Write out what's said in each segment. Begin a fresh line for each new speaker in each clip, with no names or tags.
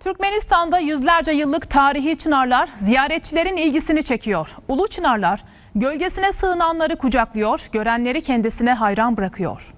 Türkmenistan'da yüzlerce yıllık tarihi çınarlar ziyaretçilerin ilgisini çekiyor. Ulu çınarlar gölgesine sığınanları kucaklıyor, görenleri kendisine hayran bırakıyor.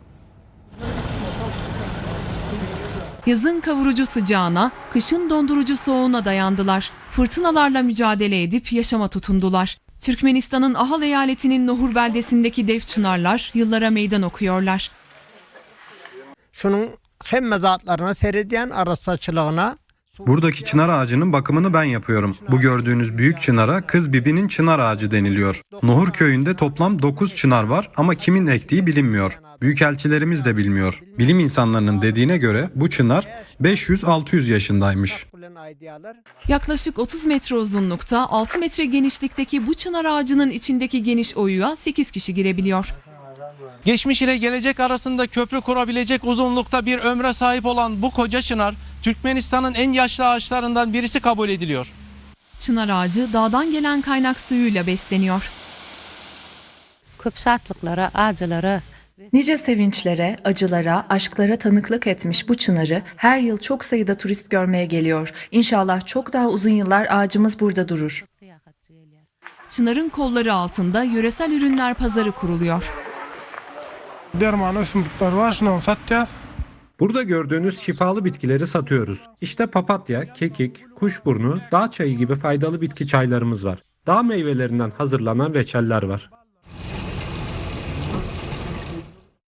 Yazın kavurucu sıcağına, kışın dondurucu soğuğuna dayandılar. Fırtınalarla mücadele edip yaşama tutundular. Türkmenistan'ın Ahal eyaletinin Nohur beldesindeki dev çınarlar yıllara meydan okuyorlar.
Şunun hem mezatlarına seyrediyen arasatçılığına.
Buradaki çınar ağacının bakımını ben yapıyorum. Bu gördüğünüz büyük çınara Kız Bibi'nin çınar ağacı deniliyor. Nohur köyünde toplam 9 çınar var ama kimin ektiği bilinmiyor. Büyükelçilerimiz de bilmiyor. Bilim insanlarının dediğine göre bu çınar 500-600 yaşındaymış.
Yaklaşık 30 metre uzunlukta, 6 metre genişlikteki bu çınar ağacının içindeki geniş oyuğa 8 kişi girebiliyor.
Geçmiş ile gelecek arasında köprü kurabilecek uzunlukta bir ömre sahip olan bu koca çınar, Türkmenistan'ın en yaşlı ağaçlarından birisi kabul ediliyor.
Çınar ağacı dağdan gelen kaynak suyuyla besleniyor.
Köp şatlıklara, acılara.
Nice sevinçlere, acılara, aşklara tanıklık etmiş bu çınarı her yıl çok sayıda turist görmeye geliyor. İnşallah çok daha uzun yıllar ağacımız burada durur.
Çınarın kolları altında yöresel ürünler pazarı kuruluyor.
Burada gördüğünüz şifalı bitkileri satıyoruz. İşte papatya, kekik, kuşburnu, dağ çayı gibi faydalı bitki çaylarımız var. Dağ meyvelerinden hazırlanan reçeller var.